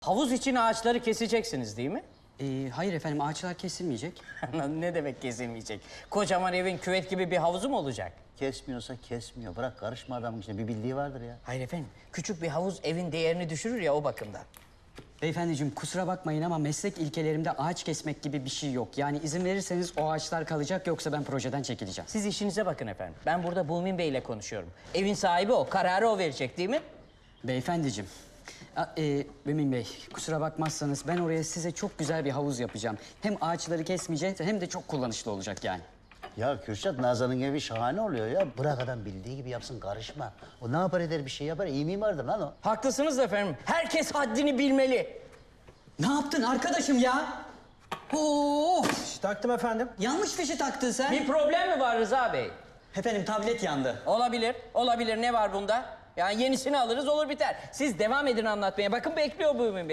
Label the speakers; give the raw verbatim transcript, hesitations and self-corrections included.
Speaker 1: Havuz için ağaçları keseceksiniz değil mi?
Speaker 2: Ee, hayır efendim, ağaçlar kesilmeyecek.
Speaker 1: Ne demek kesilmeyecek? Kocaman evin küvet gibi bir havuzu mu olacak?
Speaker 3: Kesmiyorsa kesmiyor. Bırak karışma adamın içine. Bir bildiği vardır ya.
Speaker 1: Hayır efendim, küçük bir havuz evin değerini düşürür ya o bakımdan.
Speaker 2: Beyefendiciğim kusura bakmayın ama meslek ilkelerimde ağaç kesmek gibi bir şey yok. Yani izin verirseniz o ağaçlar kalacak, yoksa ben projeden çekileceğim.
Speaker 1: Siz işinize bakın efendim. Ben burada Bumin Bey ile konuşuyorum. Evin sahibi o, kararı o verecek değil mi?
Speaker 2: Beyefendiciğim, a- e, Mümin Bey kusura bakmazsanız ben oraya size çok güzel bir havuz yapacağım. Hem ağaçları kesmeyeceğiz hem de çok kullanışlı olacak yani.
Speaker 3: Ya Kürşat, Nazan'ın evi şahane oluyor ya. Bırak adam bildiği gibi yapsın, karışma. O ne yapar eder, bir şey yapar. İyi mimardır lan o.
Speaker 1: Haklısınız efendim. Herkes haddini bilmeli.
Speaker 2: Ne yaptın arkadaşım ya? Oo,
Speaker 4: Taktım efendim.
Speaker 2: yanlış fişi taktın sen.
Speaker 1: Bir problem mi var Rıza Bey?
Speaker 2: Efendim tablet yandı.
Speaker 1: Olabilir, olabilir. Ne var bunda? Yani yenisini alırız olur biter. Siz devam edin anlatmaya. Bakın bekliyor Bumin Bey.